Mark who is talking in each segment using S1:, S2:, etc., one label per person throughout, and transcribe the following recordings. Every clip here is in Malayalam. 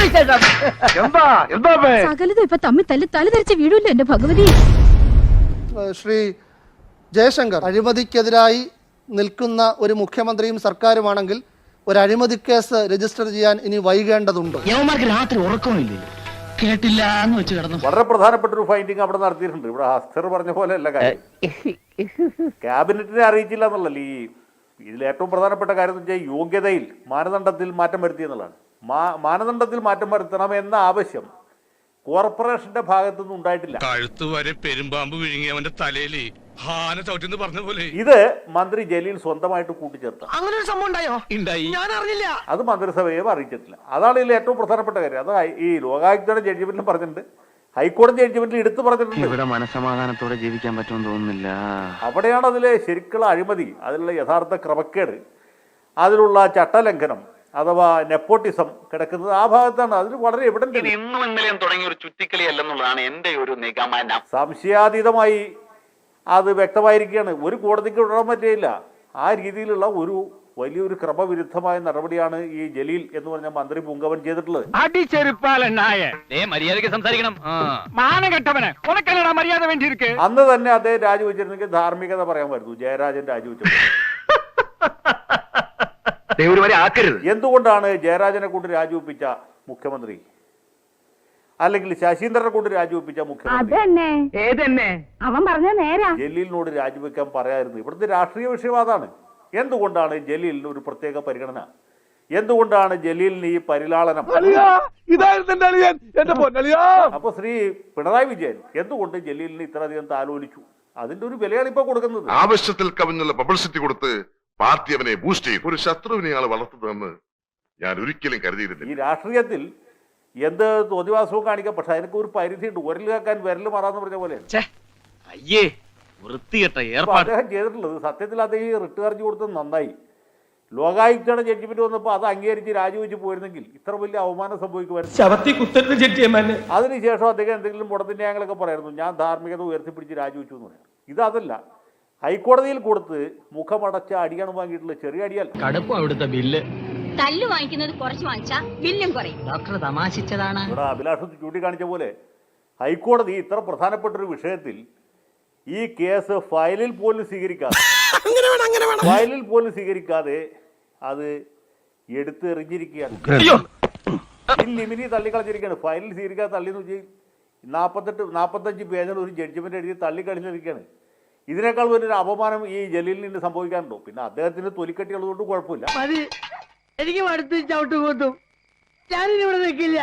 S1: സകലതും ഇപ്പൊ തമ്മിൽ തലധരിച്ച് വീഴൂല്ലോ എന്റെ ഭഗവതി.
S2: ശ്രീ ജയശങ്കർ, അഴിമതിക്കെതിരായി നിൽക്കുന്ന ഒരു മുഖ്യമന്ത്രിയും സർക്കാരുമാണെങ്കിൽ ഒരു അഴിമതി കേസ് രജിസ്റ്റർ ചെയ്യാൻ ഇനി വൈകേണ്ടതുണ്ടോ?
S3: രാത്രി ഉറക്കമില്ലേ, കേട്ടില്ല എന്ന് വെച്ച് കിടന്നു.
S4: വളരെ പ്രധാനപ്പെട്ട ഒരു ഫൈൻഡിങ് അവിടെ നടത്തിയിട്ടുണ്ട്. ഇവിടെ ഹസ്തർ പറഞ്ഞ പോലെ അല്ല കാര്യം. ക്യാബിനറ്റിനെ അറിയിച്ചില്ല എന്നുള്ളല്ല ഈ ഇതിൽ ഏറ്റവും പ്രധാനപ്പെട്ട കാര്യം എന്ന് വെച്ചാൽ യോഗ്യതയിൽ മാനദണ്ഡത്തിൽ മാറ്റം വരുത്തി എന്നുള്ളതാണ്. മാനദണ്ഡത്തിൽ മാറ്റം വരുത്തണമെന്ന ആവശ്യം കോർപ്പറേഷന്റെ ഭാഗത്തുനിന്ന് ഉണ്ടായിട്ടില്ല.
S5: കഴുത്ത് വരെ പെരുമ്പാമ്പ് വിഴുങ്ങിയവന്റെ തലയിൽ ഹാന ചവിട്ടിന്ന് പറഞ്ഞ പോലെ
S4: ഇത് മന്ത്രി ജലീൽ സ്വന്തമായിട്ട് കൂട്ടിച്ചേർത്ത
S3: അങ്ങനെ ഒരു സംഭവം ഉണ്ടായോ? ഉണ്ടായി, ഞാൻ അറിഞ്ഞില്ല.
S4: അത് മന്ത്രിസഭയെ അറിയിച്ചിട്ടില്ല. അതാണ് ഇതിൽ ഏറ്റവും പ്രധാനപ്പെട്ട കാര്യം. അത് ഈ ലോകായുക്തയുടെ ജഡ്ജ്മെന്റിലും പറഞ്ഞിട്ടുണ്ട്, ഹൈക്കോടതി ജഡ്ജ്മെന്റിൽ എടുത്തു പറഞ്ഞിട്ടുണ്ട്.
S6: ഇവിടെ മനസമാധാനത്തോടെ ജീവിക്കാൻ പറ്റുമെന്ന് തോന്നുന്നില്ല.
S4: അവിടെയാണ് അതിലെ ശരിക്കുള്ള അഴിമതി, അതിലുള്ള യഥാർത്ഥ ക്രമക്കേട്, അതിലുള്ള ചട്ടലംഘനം അഥവാ നെപ്പോട്ടിസം കിടക്കുന്നത് ആ ഭാഗത്താണ്. അതിന് വളരെ എവിഡന്റ്.
S6: ഇന്നും ഇന്നലെയും തുടങ്ങിയ ഒരു ചുറ്റിക്കളി അല്ലെന്നുള്ളതാണ് എന്റെ ഒരു നിഗമനം.
S4: സംശയാതീതമായി അത് വ്യക്തമായിരിക്കുകയാണ്. ഒരു കോടതിക്ക് വിടാൻ പറ്റില്ല. ആ രീതിയിലുള്ള ഒരു വലിയൊരു ക്രമവിരുദ്ധമായ നടപടിയാണ് ഈ ജലീൽ എന്ന് പറഞ്ഞ മന്ത്രി പുങ്കവൻ ചെയ്തിട്ടുള്ളത്.
S3: മര്യാദയ്ക്ക് സംസാരിക്കണം. മര്യാദ വേണ്ടിയിരിക്കെ.
S4: അന്ന് തന്നെ അദ്ദേഹം രാജിവെച്ചിരുന്നെങ്കിൽ ധാർമ്മികത പറയാൻ പറ്റുന്നു. ജയരാജൻ രാജിവെച്ചത് എന്തുകൊണ്ടാണ് ജയരാജനെ കൊണ്ട് രാജിവെപ്പിച്ച മുഖ്യമന്ത്രി, അല്ലെങ്കിൽ ശശീന്ദ്രനെ കൊണ്ട് രാജിവെപ്പിച്ച മുഖ്യമന്ത്രി
S1: അവൻ പറഞ്ഞ നേരാ
S4: ജലീലിനോട് രാജിവെക്കാൻ പറയായിരുന്നു? ഇവിടുത്തെ രാഷ്ട്രീയ വിഷയവാദമാണ്. എന്തുകൊണ്ടാണ് ജലീലിന് ഒരു പ്രത്യേക പരിഗണന? എന്തുകൊണ്ടാണ് ജലീലിന് ഈ പരിലാളനം? അപ്പൊ ശ്രീ പിണറായി വിജയൻ എന്തുകൊണ്ട് ജലീലിന് ഇത്രയധികം താലോലിച്ചു? അതിന്റെ ഒരു വിലയാണ് ഇപ്പൊ കൊടുക്കുന്നത്.
S5: ആവശ്യത്തിൽ കവിഞ്ഞുള്ള പബ്ലിസിറ്റി കൊടുത്ത് പാർട്ടി അവനെ ബൂസ്റ്റ് ചെയ്യും. ഒരു ശത്രുവിനെയാണ് വളർത്തുന്നതെന്ന് ഞാൻ ഒരിക്കലും കരുതിയിരുന്നില്ല. ഈ
S4: രാഷ്ട്രീയത്തിൽ എന്ത് തോന്നിവാസവും കാണിക്കാം, പക്ഷെ അതിനൊക്കെ ഒരു പരിധിയുണ്ട്. ഉരൽ കേൾക്കാൻ വിരൽ മാറാന്ന് പറഞ്ഞ പോലെ അദ്ദേഹം ചെയ്തിട്ടുള്ളത്. സത്യത്തിൽ അദ്ദേഹം ഈ റിട്ട് ഹർജി കൊടുത്തത് നന്നായി. ലോകായുക്തയുടെ ജഡ്ജ്മെന്റ് വന്നപ്പോൾ അത് അംഗീകരിച്ച് രാജിവെച്ച് പോയിരുന്നെങ്കിൽ ഇത്ര വലിയ അവമാനം സംഭവിക്കുമായിരുന്നു. അതിനുശേഷം അദ്ദേഹം എന്തെങ്കിലും മുടത്തിന്റെ ന്യായങ്ങളൊക്കെ പറയായിരുന്നു. ഞാൻ ധാർമ്മികത ഉയർത്തിപ്പിടിച്ച് രാജിവെച്ചു എന്ന് പറയാം. ഇതല്ല, ഹൈക്കോടതിയിൽ കൊടുത്ത് മുഖമടച്ച അടിയാണ് വാങ്ങിയിട്ടുള്ള. ചെറിയ അടിയല്ല.
S3: അവിടുത്തെ ബില്ല്
S1: തല്ല് വാങ്ങിക്കുന്നത് കുറച്ച് വാങ്ങിച്ചാ ബില്ലും കുറയും.
S3: ഡോക്ടർ തമാശിച്ചതാണ്.
S4: ഇവിടെ അഭിലാഷ് ചൂണ്ടിക്കാണിച്ച പോലെ ഹൈക്കോടതി ഇത്ര പ്രധാനപ്പെട്ട ഒരു വിഷയത്തിൽ ഈ കേസ് ഫയലിൽ പോലും സ്വീകരിക്കാതെ അത് എടുത്തെറിഞ്ഞിരിക്കുകയാണ്. ലിമിനി തള്ളിക്കളഞ്ഞിരിക്കുകയാണ്. ഫയലിൽ സ്വീകരിക്കാതെ തള്ളിയെന്ന് വെച്ചാൽ 45 പേജിൽ ഒരു ജഡ്ജ്മെന്റ് എഴുതി തള്ളിക്കളിച്ചിരിക്കുകയാണ്. ഇതിനേക്കാൾ വലിയൊരു അപമാനം ഈ ജലീലിന് സംഭവിക്കാനുണ്ടോ? പിന്നെ അദ്ദേഹത്തിന് തൊലിക്കട്ടിയുള്ളതുകൊണ്ട് കുഴപ്പമില്ല.
S3: എനിക്ക് അടുത്ത് ചവിട്ട് കൂത്തും. ഞാനിവിടെ നിൽക്കില്ല.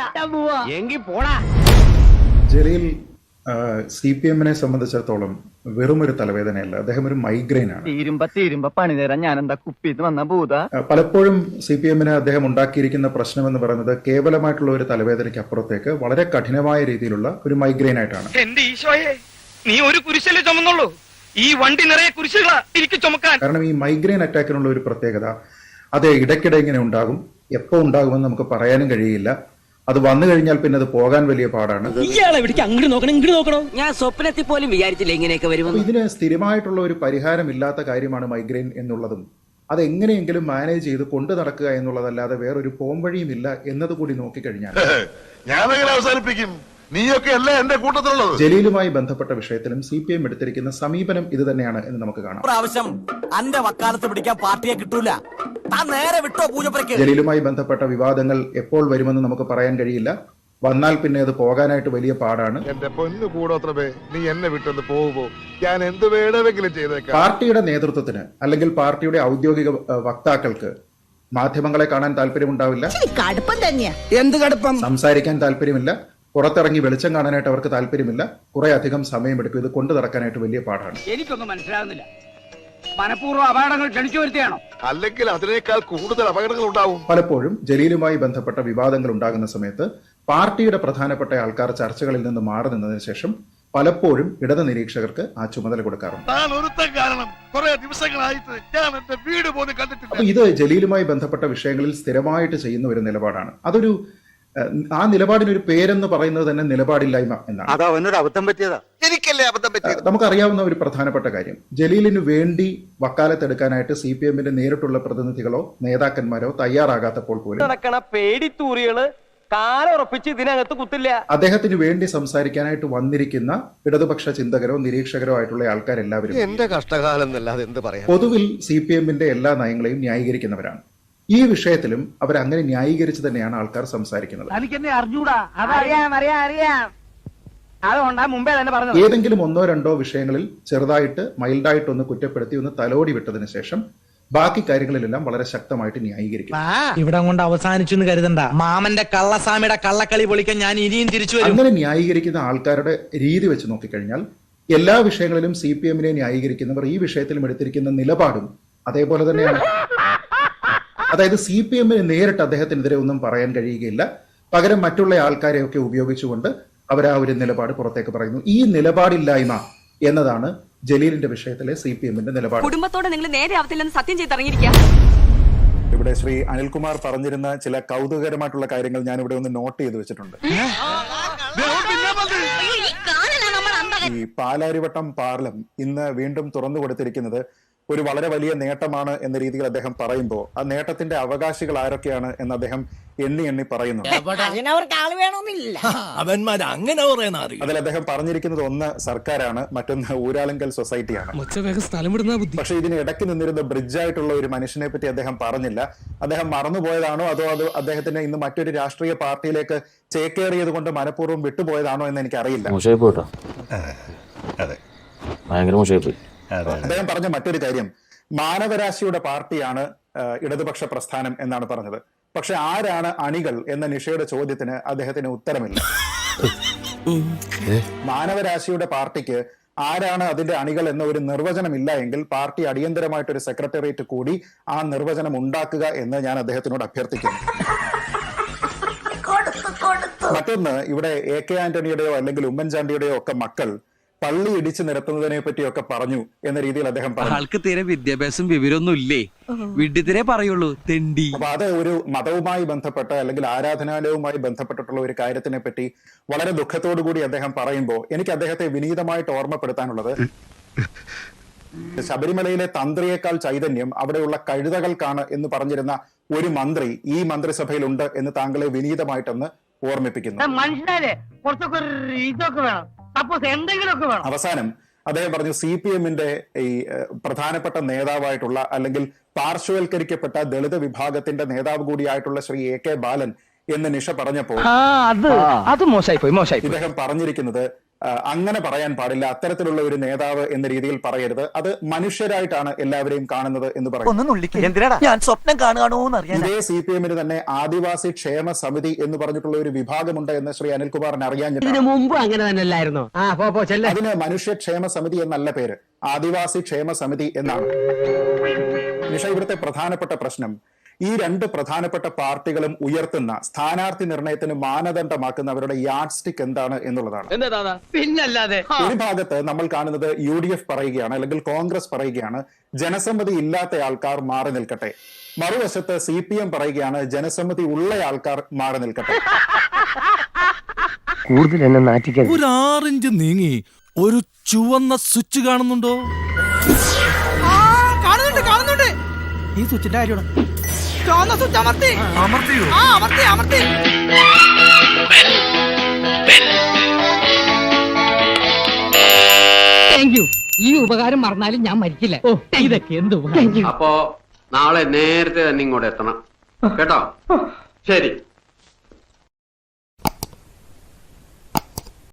S7: ജലീൽ CPM-നെ സംബന്ധിച്ചിടത്തോളം വെറും ഒരു തലവേദനയല്ല, അദ്ദേഹം ഒരു മൈഗ്രെയിൻ ആണ്.
S6: പണി തരാൻ ഞാൻ എന്താ കുപ്പിന്ന് വന്ന ഭൂത.
S7: പലപ്പോഴും CPM-ന് അദ്ദേഹം ഉണ്ടാക്കിയിരിക്കുന്ന പ്രശ്നം എന്ന് പറയുന്നത് കേവലമായിട്ടുള്ള ഒരു തലവേദനയ്ക്ക് അപ്പുറത്തേക്ക് വളരെ കഠിനമായ രീതിയിലുള്ള ഒരു മൈഗ്രെയിൻ ആയിട്ടാണ്.
S3: എന്റെ ഈശോയെ, നീ ഒരു കുരിശല്ലേ ചുമന്നുള്ളൂ, ഈ വണ്ടി നിറയെ കുരിശുകളാ എനിക്ക് ചുമക്കാൻ.
S7: കാരണം ഈ മൈഗ്രെയിൻ അറ്റാക്കിനുള്ള ഒരു പ്രത്യേകത, അത് ഇടയ്ക്കിടെ ഇങ്ങനെ ഉണ്ടാകും. എപ്പോ ഉണ്ടാകുമെന്ന് നമുക്ക് പറയാനും കഴിയില്ല. അത് വന്നു കഴിഞ്ഞാൽ പിന്നെ അത് പോകാൻ വലിയ പാടാണ്.
S3: ഞാൻ സ്വപ്നത്തിൽ പോലും വിചാരിച്ചില്ല ഇങ്ങനെയൊക്കെ വരുമെന്ന്.
S7: ഇതിന് സ്ഥിരമായിട്ടുള്ള ഒരു പരിഹാരം ഇല്ലാത്ത കാര്യമാണ് മൈഗ്രെയിൻ എന്നുള്ളതും അത് എങ്ങനെയെങ്കിലും മാനേജ് ചെയ്ത് കൊണ്ടു നടക്കുക എന്നുള്ളതല്ലാതെ വേറൊരു പോംവഴിയും ഇല്ല എന്നതുകൂടി നോക്കിക്കഴിഞ്ഞാൽ
S5: ഞാനങ്ങനെ അവസാനിപ്പിക്കും. നീയൊക്കെ അല്ലേ എന്റെ കൂട്ടത്തിലുള്ളത്.
S7: ജലീലുമായി ബന്ധപ്പെട്ട വിഷയത്തിലും CPM എടുത്തിരിക്കുന്ന സമീപനം ഇത് തന്നെയാണ് എന്ന് നമുക്ക് കാണാം.
S3: പ്രാവശ്യം അന്റെ വക്കാലത്ത് പിടിക്കാൻ പാർട്ടിയെ കിട്ടൂല. നേരെ വിട്ടോ പൂജപ്പുരയ്ക്ക്.
S7: ജലീലുമായി ബന്ധപ്പെട്ട വിവാദങ്ങൾ എപ്പോൾ വരുമെന്ന് നമുക്ക് പറയാൻ കഴിയില്ല. വന്നാൽ പിന്നെ അത് പോകാനായിട്ട് വലിയ പാടാണ്.
S5: എന്റെ പൊന്നു കൂടോത്രമേ, നീ എന്നെ വിട്ടൊന്ന് പോകുമ്പോ ഞാൻ എന്ത് വേണമെങ്കിലും ചെയ്തേക്കാം.
S7: പാർട്ടിയുടെ നേതൃത്വത്തിന് അല്ലെങ്കിൽ പാർട്ടിയുടെ ഔദ്യോഗിക വക്താക്കൾക്ക് മാധ്യമങ്ങളെ കാണാൻ താല്പര്യമുണ്ടാവില്ല.
S3: എന്ത് കടുപ്പം?
S7: സംസാരിക്കാൻ താല്പര്യമില്ല. പുറത്തിറങ്ങി വെളിച്ചം കാണാനായിട്ട് അവർക്ക് താല്പര്യമില്ല. കുറെ അധികം സമയമെടുക്കും. ഇത് കൊണ്ടു നടക്കാനായിട്ട് വലിയ പാടാണ്.
S3: എനിക്കൊന്നും മനസ്സിലാകുന്നില്ല. മനഃപൂർവ്വം അപകടങ്ങൾ ക്ഷണിച്ചു വരുത്തിയാണോ?
S5: അല്ലെങ്കിൽ അതിനേക്കാൾ കൂടുതൽ അപകടങ്ങൾ ഉണ്ടാവും.
S7: പലപ്പോഴും ജലീലുമായി ബന്ധപ്പെട്ട വിവാദങ്ങൾ ഉണ്ടാകുന്ന സമയത്ത് പാർട്ടിയുടെ പ്രധാനപ്പെട്ട ആൾക്കാർ ചർച്ചകളിൽ നിന്ന് മാറി നിന്നതിന് ശേഷം പലപ്പോഴും ഇടത് നിരീക്ഷകർക്ക് ആ ചുമതല കൊടുക്കാറുണ്ട്. അപ്പൊ ഇത് ജലീലുമായി ബന്ധപ്പെട്ട വിഷയങ്ങളിൽ സ്ഥിരമായിട്ട് ചെയ്യുന്ന ഒരു നിലപാടാണ്. അതൊരു ആ നിലപാടിനൊരു പേരെന്ന് പറയുന്നത് തന്നെ നിലപാടില്ലായ്മ എന്നാണ്. നമുക്കറിയാവുന്ന ഒരു പ്രധാനപ്പെട്ട കാര്യം, ജലീലിന് വേണ്ടി വക്കാലത്തെടുക്കാനായിട്ട് CPM-ന്റെ നേരിട്ടുള്ള പ്രതിനിധികളോ നേതാക്കന്മാരോ തയ്യാറാകാത്തപ്പോൾ പോലും
S3: പേടിത്തൂറികള് കാലുറപ്പിച്ച് ഇതിനകത്ത് കുത്തില്ല.
S7: അദ്ദേഹത്തിന് വേണ്ടി സംസാരിക്കാനായിട്ട് വന്നിരിക്കുന്ന ഇടതുപക്ഷ ചിന്തകരോ നിരീക്ഷകരോ ആയിട്ടുള്ള ആൾക്കാരെല്ലാവരും
S8: എന്റെ കഷ്ടകാലം എന്നല്ലാതെ എന്ത് പറയാം.
S7: പൊതുവിൽ CPM-ന്റെ എല്ലാ നയങ്ങളെയും ന്യായീകരിക്കുന്നവരാണ്. ഈ വിഷയത്തിലും അവർ അങ്ങനെ ന്യായീകരിച്ച് തന്നെയാണ് ആൾക്കാർ സംസാരിക്കുന്നത്. ഏതെങ്കിലും ഒന്നോ രണ്ടോ വിഷയങ്ങളിൽ ചെറുതായിട്ട് മൈൽഡായിട്ടൊന്ന് കുറ്റപ്പെടുത്തി ഒന്ന് തലോടി വിട്ടതിന് ശേഷം ബാക്കി കാര്യങ്ങളിലെല്ലാം വളരെ ശക്തമായിട്ട് ന്യായീകരിക്കും.
S9: ഇവിടെ കൊണ്ട് അവസാനിച്ചു എന്ന് കരുതണ്ട. മാമന്റെ കള്ളസ്വാമിയുടെ കള്ളക്കളി പൊളിക്കാൻ ഞാൻ ഇനിയും തിരിച്ചു വരും.
S7: അങ്ങനെ ന്യായീകരിക്കുന്ന ആൾക്കാരുടെ രീതി വെച്ച് നോക്കിക്കഴിഞ്ഞാൽ എല്ലാ വിഷയങ്ങളിലും CPM-നെ ന്യായീകരിക്കുന്നവർ ഈ വിഷയത്തിലും എടുത്തിരിക്കുന്ന നിലപാടും അതേപോലെ തന്നെയാണ്. അതായത് CPM-ന് നേരിട്ട് അദ്ദേഹത്തിനെതിരെ ഒന്നും പറയാൻ കഴിയുകയില്ല. പകരം മറ്റുള്ള ആൾക്കാരെയൊക്കെ ഉപയോഗിച്ചുകൊണ്ട് അവർ ആ ഒരു നിലപാട് പുറത്തേക്ക് പറയുന്നു. ഈ നിലപാടില്ലായ്മ എന്നതാണ് ജലീലിന്റെ വിഷയത്തിലെ CPM-ന്റെ നിലപാട്.
S1: കുടുംബത്തോടെ നിങ്ങൾ നേരെ ആവത്തില്ലെന്ന് സത്യം ചെയ്തിറങ്ങിയിരിക്കുക.
S7: ഇവിടെ ശ്രീ അനിൽകുമാർ പറഞ്ഞിരുന്ന ചില കൗതുകകരമായിട്ടുള്ള കാര്യങ്ങൾ ഞാൻ ഇവിടെ ഒന്ന് നോട്ട് ചെയ്ത് വെച്ചിട്ടുണ്ട്. ഈ പാലാരിവട്ടം പാലം ഇന്ന് വീണ്ടും തുറന്നു കൊടുത്തിരിക്കുന്നത് ഒരു വളരെ വലിയ നേട്ടമാണ് എന്ന രീതിയിൽ അദ്ദേഹം പറയുമ്പോൾ ആ നേട്ടത്തിന്റെ അവകാശികൾ ആരൊക്കെയാണ് എന്ന് അദ്ദേഹം എണ്ണി പറയുന്നു. അതിൽ അദ്ദേഹം പറഞ്ഞിരിക്കുന്നത് ഒന്ന് സർക്കാരാണ്, മറ്റൊന്ന് ഊരാളുങ്കൽ സൊസൈറ്റിയാണ്. പക്ഷെ ഇതിന് ഇടയ്ക്ക് നിന്നിരുന്ന ബ്രിഡ്ജായിട്ടുള്ള ഒരു മനുഷ്യനെ പറ്റി അദ്ദേഹം പറഞ്ഞില്ല. അദ്ദേഹം മറന്നുപോയതാണോ അതോ അത് അദ്ദേഹത്തിന് ഇന്ന് മറ്റൊരു രാഷ്ട്രീയ പാർട്ടിയിലേക്ക് ചേക്കേറിയത് കൊണ്ട് മനഃപൂർവ്വം വിട്ടുപോയതാണോ എന്ന് എനിക്കറിയില്ല. അദ്ദേഹം പറഞ്ഞ മറ്റൊരു കാര്യം, മാനവരാശിയുടെ പാർട്ടിയാണ് ഇടതുപക്ഷ പ്രസ്ഥാനം എന്നാണ് പറഞ്ഞത്. പക്ഷെ ആരാണ് അണികൾ എന്ന നിഷയുടെ ചോദ്യത്തിന് അദ്ദേഹത്തിന് ഉത്തരമില്ല. മാനവരാശിയുടെ പാർട്ടിക്ക് ആരാണ് അതിന്റെ അണികൾ എന്ന ഒരു നിർവചനമില്ല എങ്കിൽ പാർട്ടി അടിയന്തരമായിട്ടൊരു സെക്രട്ടേറിയറ്റ് കൂടി ആ നിർവചനം ഉണ്ടാക്കുക എന്ന് ഞാൻ അദ്ദേഹത്തിനോട് അഭ്യർത്ഥിക്കുന്നു. മറ്റൊന്ന്, ഇവിടെ AK ആന്റണിയുടെയോ അല്ലെങ്കിൽ ഉമ്മൻചാണ്ടിയുടെയോ ഒക്കെ മക്കൾ പള്ളി ഇടിച്ചു നിരത്തുന്നതിനെ പറ്റിയൊക്കെ പറഞ്ഞു എന്ന രീതിയിൽ അദ്ദേഹം പറഞ്ഞു.
S9: ആൾക്ക് തീരെ വിദ്യാഭ്യാസം വിവരമൊന്നും ഇല്ലേ, വിഡ്ഢിത്തിരെ പറയുള്ളൂ, തെണ്ടി.
S7: അപ്പൊ അത് ഒരു മതവുമായി ബന്ധപ്പെട്ട അല്ലെങ്കിൽ ആരാധനാലയവുമായി ബന്ധപ്പെട്ടിട്ടുള്ള ഒരു കാര്യത്തിനെ പറ്റി വളരെ ദുഃഖത്തോടു കൂടി അദ്ദേഹം പറയുമ്പോൾ എനിക്ക് അദ്ദേഹത്തെ വിനീതമായിട്ട് ഓർമ്മപ്പെടുത്താനുള്ളത്, ശബരിമലയിലെ തന്ത്രിയേക്കാൾ ചൈതന്യം അവിടെയുള്ള കഴുതകൾക്കാണ് എന്ന് പറഞ്ഞിരുന്ന ഒരു മന്ത്രി ഈ മന്ത്രിസഭയിലുണ്ട് എന്ന് താങ്കളെ വിനീതമായിട്ടൊന്ന് ഓർമ്മിപ്പിക്കുന്നു. അവസാനം അദ്ദേഹം പറഞ്ഞു, CPM-ന്റെ ഈ പ്രധാനപ്പെട്ട നേതാവായിട്ടുള്ള അല്ലെങ്കിൽ പാർശ്വവൽക്കരിക്കപ്പെട്ട ദളിത് വിഭാഗത്തിന്റെ നേതാവ് കൂടിയായിട്ടുള്ള ശ്രീ AK ബാലൻ എന്ന് നിഷ പറഞ്ഞപ്പോൾ ഇദ്ദേഹം പറഞ്ഞിരിക്കുന്നത് അങ്ങനെ പറയാൻ പാടില്ല, അത്തരത്തിലുള്ള ഒരു നേതാവ് എന്ന രീതിയിൽ പറയരുത്, അത് മനുഷ്യരായിട്ടാണ് എല്ലാവരെയും കാണുന്നത് എന്ന് പറയുന്നു.
S9: ഞാൻ സ്വപ്നം കാണുകയാണോ?
S7: ഇതേ CPM-ന് തന്നെ ആദിവാസി ക്ഷേമ സമിതി എന്ന് പറഞ്ഞിട്ടുള്ള ഒരു വിഭാഗമുണ്ട് എന്ന് ശ്രീ അനിൽകുമാറിന് അറിയാൻ
S9: മുമ്പ് അങ്ങനെ തന്നെയല്ലായിരുന്നു.
S7: അതിന് മനുഷ്യക്ഷേമ സമിതി എന്നല്ല പേര്, ആദിവാസി ക്ഷേമ സമിതി എന്നാണ്. നിഷ, ഇവിടുത്തെ പ്രധാനപ്പെട്ട പ്രശ്നം ഈ രണ്ട് പ്രധാനപ്പെട്ട പാർട്ടികളും ഉയർത്തുന്ന സ്ഥാനാർത്ഥി നിർണയത്തിന് മാനദണ്ഡമാക്കുന്ന അവരുടെ യാർഡ് സ്റ്റിക്ക് എന്താണ് എന്നുള്ളതാണ്.
S9: പിന്നല്ലാതെ
S7: ഒരു ഭാഗത്ത് നമ്മൾ കാണുന്നത് UDF പറയുകയാണ് അല്ലെങ്കിൽ കോൺഗ്രസ് പറയുകയാണ് ജനസമ്മതി ഇല്ലാത്ത ആൾക്കാർ മാറി നിൽക്കട്ടെ, മറുവശത്ത് CPM പറയുകയാണ് ജനസമ്മതി ഉള്ള ആൾക്കാർ മാറി നിൽക്കട്ടെ.
S9: കൂടുതൽ എന്നെ നാറ്റിക്കാൻ
S10: ഒരു 6 ഇഞ്ച് നീങ്ങി ഒരു ചുവന്ന സ്വിച്ച് കാണുന്നുണ്ടോ?
S9: കാണുന്നുണ്ട്. ഈ സ്വിച്ചിന്റെ കാര്യമാണ്. ഈ ഉപകാരം മറന്നാലും ഞാൻ മരിക്കില്ല. ഇതൊക്കെ എന്ത്
S6: അപ്പോ നാളെ നേരത്തെ തന്നെ ഇങ്ങോട്ട് എത്തണം കേട്ടോ. ശരി.